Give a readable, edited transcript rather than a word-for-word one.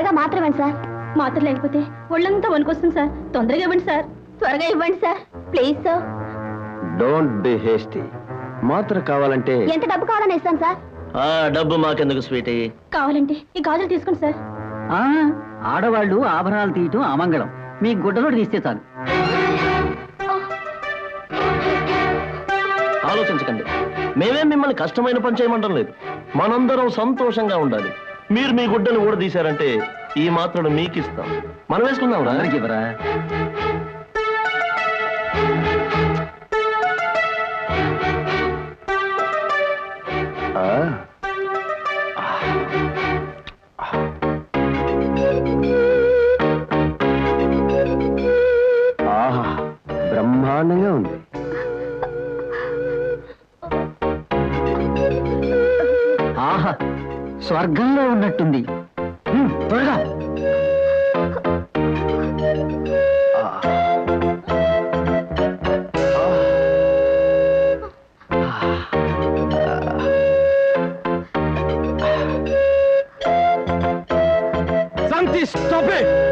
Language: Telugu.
త్వరగా మాత్రం ఇవ్వండి సార్. మాత్రం లేకపోతే ఒళ్ళంతా వణుకొస్తుంది సార్. తొందరగా ఇవ్వండి సార్. త్వరగా ఇవ్వండి sir, please sir. Don't be hasty. మాత్ర కావాలంటే ఎంత డబ్బు కావాలని ఇస్తాను సార్. డబ్బు మాకెందుకు స్వీటీ. కావాలంటే ఈ గాజులు తీసుకోండి సార్. ఆడవాళ్ళు ఆభరణాలు తీయటం అమంగళం. మీ గుడ్డలోడు తీస్తే చాలు. ఆలోచించకండి, మేమేం మిమ్మల్ని కష్టమైన పని చేయమంటం లేదు. మనందరం సంతోషంగా ఉండాలి. మీరు మీ గుడ్డను కూడా తీశారంటే ఈ మాత్రను మీకు ఇస్తాం. మనం వేసుకుందాం. అందరికి ఇవ్వరా? బ్రహ్మాండంగా ఉంది. ఆహా, స్వర్గంలో ఉన్నట్టుంది. త్వరగా. Stop it!